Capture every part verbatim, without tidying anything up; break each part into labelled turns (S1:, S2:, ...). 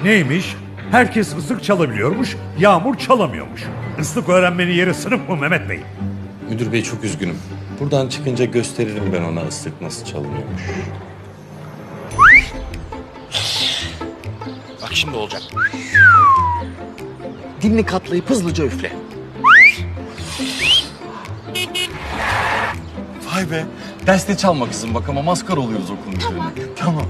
S1: Neymiş? Herkes ıslık çalabiliyormuş, Yağmur çalamıyormuş. Islık öğrenmenin yeri sınıf mı Mehmet Bey?
S2: Müdür bey çok üzgünüm. Buradan çıkınca gösteririm ben ona ıslık nasıl çalınıyormuş.
S3: Bak şimdi olacak. Dilini katlayıp hızlıca üfle.
S4: Vay be. Derste çalma kızım bak ama maskar oluyoruz okulun üzerine. Tamam.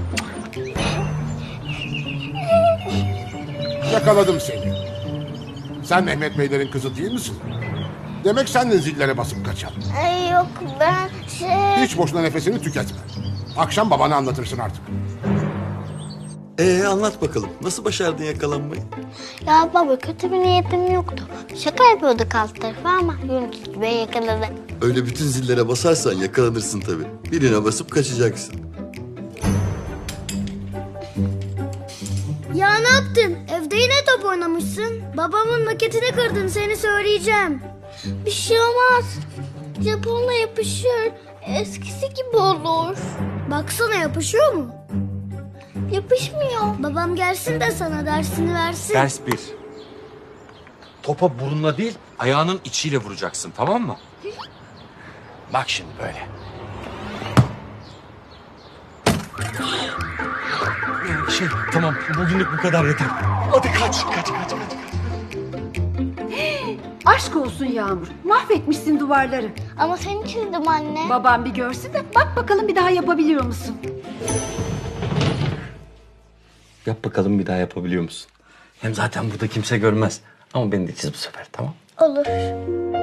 S5: Yakaladım seni. Sen Mehmet Beylerin kızı değil misin? Demek sen de zillere basıp kaçan.
S6: Ay yok ben şey...
S5: Hiç boşuna nefesini tüketme. Akşam babana anlatırsın artık.
S7: Ee anlat bakalım. Nasıl başardın yakalanmayı?
S6: Ya baba kötü bir niyetim yoktu. Şaka yapıyorduk alt tarafı ama Yunus Bey yakaladı.
S7: Öyle bütün zillere basarsan yakalanırsın tabii. Birine basıp kaçacaksın.
S8: Ya ne yaptın? Evde yine top oynamışsın. Babamın maketini kırdın, seni söyleyeceğim.
S6: Bir şey olmaz. Japonla yapışır. Eskisi gibi olur.
S8: Baksana yapışıyor mu?
S6: Yapışmıyor.
S8: Babam gelsin de sana dersini versin.
S2: Ders bir. Topa burunla değil, ayağının içiyle vuracaksın, tamam mı?
S3: Bak şimdi böyle.
S4: Şey tamam bugünlük bu kadar yeter. Hadi kaç kaç kaç kaç.
S9: Aşk olsun Yağmur. Mahvetmişsin duvarları.
S6: Ama seni çizdim anne.
S9: Babam bir görsün de bak bakalım bir daha yapabiliyor musun?
S2: Yap bakalım bir daha yapabiliyor musun? Hem zaten burada kimse görmez. Ama beni de çiz bu sefer, tamam?
S6: Olur.